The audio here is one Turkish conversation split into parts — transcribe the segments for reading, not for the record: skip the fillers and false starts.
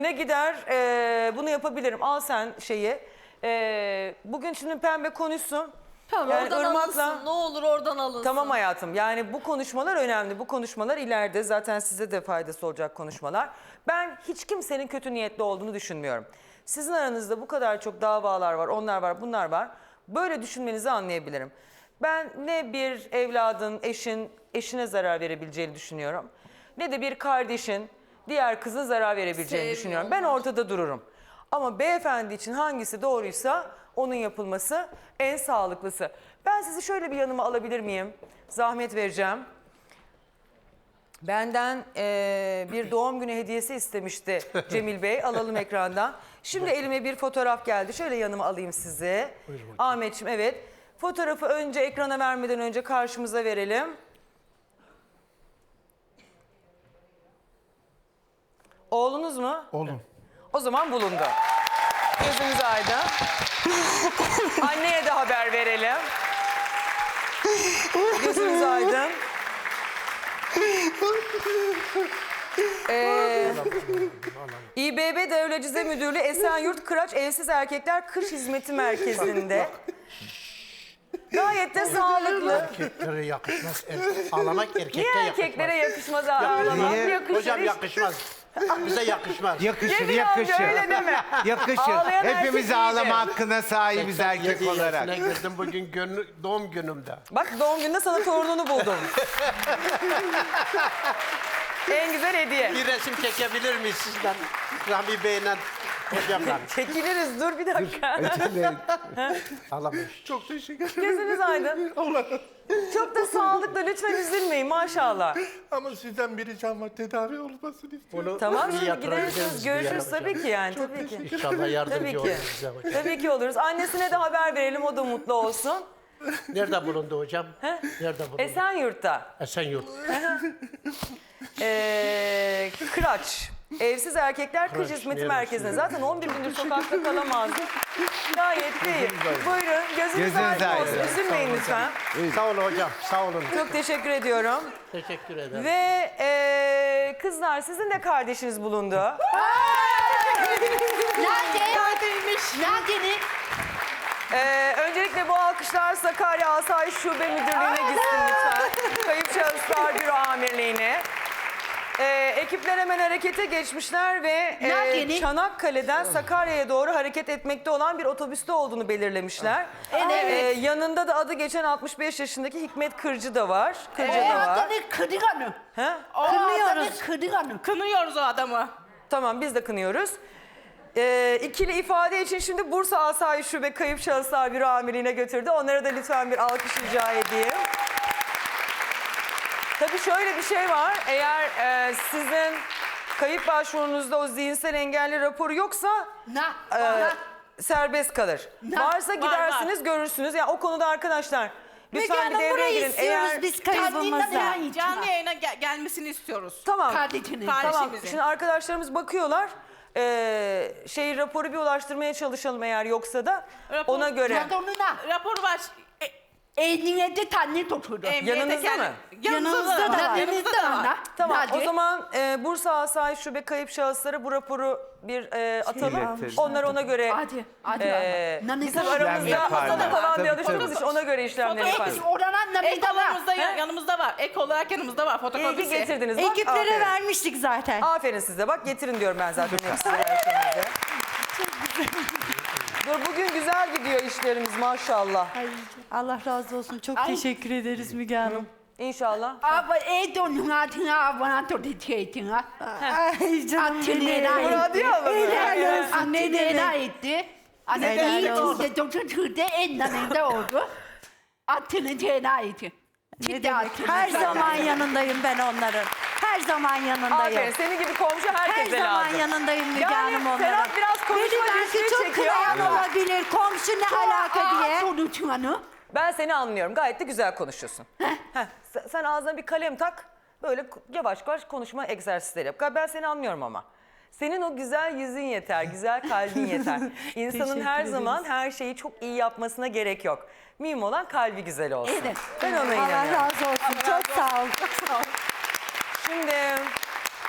Ne gider bunu yapabilirim. Al sen şeyi. Bugün şimdi Pembe konuşsun. Tamam Yani oradan Irmak'la- alınsın. Ne olur oradan alınsın. Tamam hayatım. Yani bu konuşmalar önemli. Bu konuşmalar ileride zaten size de faydası olacak konuşmalar. Ben hiç kimsenin kötü niyetli olduğunu düşünmüyorum. Sizin aranızda bu kadar çok davalar var, onlar var, bunlar var. Böyle düşünmenizi anlayabilirim. Ben ne bir evladın, eşine zarar verebileceğini düşünüyorum. Ne de bir kardeşin diğer kızın zarar verebileceğini düşünüyorum. Ben ortada dururum. Ama beyefendi için hangisi doğruysa onun yapılması en sağlıklısı. Ben sizi şöyle bir yanıma alabilir miyim? Zahmet vereceğim. Benden bir doğum günü hediyesi istemişti Cemil Bey. Alalım ekrandan. Şimdi elime bir fotoğraf geldi. Şöyle yanıma alayım sizi. Ahmetciğim evet. Fotoğrafı önce ekrana vermeden önce karşımıza verelim. Oğlunuz mu? Oğlum. O zaman bulundu. Gözünüz aydın. Anneye de haber verelim. Gözünüz aydın. İBB Devlecize Müdürlüğü Esenyurt Kıraç Evsiz Erkekler Kış Hizmeti Merkezi'nde. Gayet de sağlıklı. Erkeklere yakışmaz. Ağlamak erkeklere Niye yakışmaz. erkeklere yakışmaz ağlamak? Niye? Yakışır. Hocam hiç- yakışmaz. Bize yakışmaz. Yakışır, Cemil amca yakışır. öyle deme. Yakışır. Ağlayan Hepimiz erkek ağlama iyidir. hakkına sahibiz erkek olarak. Ne girdim bugün doğum günümde. Bak doğum gününde sana torununu buldum. En güzel hediye. Bir resim çekebilir miyiz sizden? Rahmi Bey'le hocamla. Çekiliriz dur bir dakika. Ağlamış. Çok teşekkür ederim. Gözünüz aydın. Çok da sağlıklı lütfen üzülmeyin maşallah. Ama sizden bir ricam var, tedavi olmasını istiyorum. Tamam iyi şimdi yatırabiliriz gidersiniz bir yere görüşürüz hocam. tabii ki yani tabii ki. İnşallah Tabii yardımcı ki. olur bize hocam. Tabii ki oluruz. Annesine de haber verelim o da mutlu olsun. Nerede bulundu hocam? Nerede bulundu? Esenyurt'ta. Esenyurt. Kıraç. Evsiz Erkekler Kış Kıraç, Hizmeti neresi? Merkezi'nde. Zaten 11 gündür sokakta kalamazdım. Gayet iyi. Buyurun gözünüz Gözünüz aydın olsun. aydın. Üzülmeyin lütfen. Sağ olun hocam. Sağ olun. Çok teşekkür ediyorum. Teşekkür ederim. Ve kızlar sizin de kardeşiniz bulundu. Nerede? Öncelikle bu alkışlar Sakarya Asayiş Şube Müdürlüğü'ne gitsin lütfen. Kayıp Şahıslar Büro Amirliği'ne. Ekipler hemen harekete geçmişler ve Çanakkale'den Sakarya'ya doğru hareket etmekte olan bir otobüste olduğunu belirlemişler. Evet. Yanında da adı geçen 65 yaşındaki Hikmet Kırcı da var. Kırcı da var. Kırıkanı. He? Kırıkanı. Kınıyoruz o adamı. Tamam biz de kınıyoruz. İkili ifade için şimdi Bursa Asayiş Şube Kayıp Şahıslar Büro Amirliği'ne götürdü. Onlara da lütfen bir alkış rica edeyim. Tabii şöyle bir şey var. Eğer sizin kayıp başvurunuzda o zihinsel engelli raporu yoksa serbest kalır. Varsa gidersiniz görürsünüz. Yani o konuda arkadaşlar lütfen bir devreye girin. Eğer biz kaybımızda. Canlı yayına gelmesini istiyoruz. tamam. Kardeşini. Tamam. Kardeşimizin. Şimdi arkadaşlarımız bakıyorlar. Raporu bir ulaştırmaya çalışalım eğer yoksa da Rapor- ona göre. Rapor var. Emniyette tane tutuldu. Yanınızda mı? Yanımızda da var. Yanımızda da var. Tamam Hadi. o zaman Bursa Asayiş Şube Kayıp Şahıslara bu raporu bir atalım. İletelim. Onlar ona göre Hadi. bizim İşlem aramızda yaparlar. masada falan bir Tabii, alıştığımız tabii. için ona göre işlemleri yaparız. Oradan Ek namida olarak yanımızda var. Ek olarak yanımızda var. İyi Fotokopisi. ki getirdiniz. Bak, Ekiplere aferin. vermiştik zaten. Aferin size. Bak getirin diyorum ben zaten hepsini versenize. Dur bugün güzel gidiyor işlerimiz maşallah. Ay, Allah razı olsun. Çok teşekkür ederiz Müge Hanım. İnşallah. Ama donun altına bana tutuyordun. Ay canım benim. Muradiye abla mı? Helal olsun. Ne Anne demek? ne etti? Anne Helal iyi olsun. tuttu. Doktor tuttu. En yanında oldu. Atını tena etti. Ne demek? Her zaman yanındayım ben onların. Her zaman yanındayım. Aferin. Senin gibi komşu Her herkese zaman lazım. yanındayım Müge Yani Hanım onların. Serap biraz konuşma Beni belki güçlüğü çok çekiyor. kınayan olabilir. Komşu ne alaka diye. Sonuçlanı. Ben seni anlıyorum. Gayet de güzel konuşuyorsun. Heh, sen ağzına bir kalem tak. Böyle yavaş yavaş konuşma egzersizleri yap. Ben seni anlıyorum ama. Senin o güzel yüzün yeter, güzel kalbin yeter. İnsanın Teşekkür her ederiz. zaman her şeyi çok iyi yapmasına gerek yok. Mühim olan kalbi güzel olsun. Evet. Ben ona Allah inanıyorum. razı olsun. Çok sağ ol. Şimdi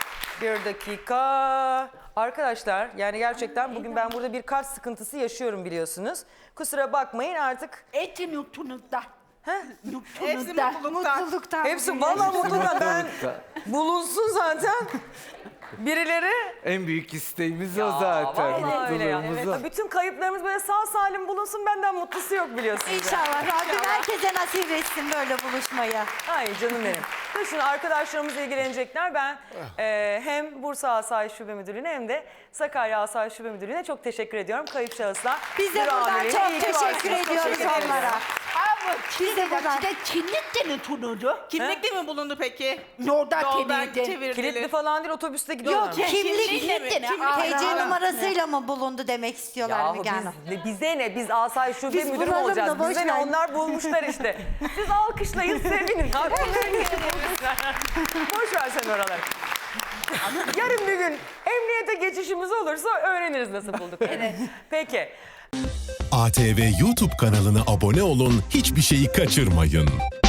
Bir dakika. Arkadaşlar yani gerçekten bugün ben burada bir kalp sıkıntısı yaşıyorum biliyorsunuz. Kusura bakmayın artık. Eti mutlulukta. Hepsi Mutlulukta. mutluluktan. Hepsi valla mutlulukla ben bulunsun zaten. Birileri. En büyük isteğimiz o zaten. Vallahi öyle ya. Mutluluğumuz o. Evet, bütün kayıplarımız böyle sağ salim bulunsun, benden mutlusu yok biliyorsunuz. İnşallah Rabbim herkese nasip etsin böyle buluşmayı. Ay canım benim. Dur şimdi arkadaşlarımız ilgilenecekler. Ben hem Bursa Asayiş Şube Müdürlüğü'ne hem de Sakarya Asayiş Şube Müdürlüğü'ne çok teşekkür ediyorum. Kayıp şahıslar. Biz de bir buradan amirine çok iyi ki teşekkür varsınız. ediyoruz Teşekkür ederim. onlara. Ama Biz de buradan- de kimlikte mi tunudu? Kimlikle mi bulundu peki? Yolda Yoldan temizdi. Kilitli çevirdiler. falan değil, otobüste gidiyorlar. Yok kimlik, Kimlikle mi? TC numarasıyla mı bulundu demek istiyorlar Yahu Müge Hanım. bize ne? Biz Asayiş Şube Biz Müdürü mü bulalım olacağız? da boş Bize ne? ver. Onlar bulmuşlar işte. Siz alkışlayın, sevinin. Hakikaten bulmuşlar. Boş ver sen oraları. Yarın bir gün emniyete geçişimiz olursa öğreniriz nasıl bulduk. Evet. Peki. ATV YouTube kanalına abone olun, hiçbir şeyi kaçırmayın.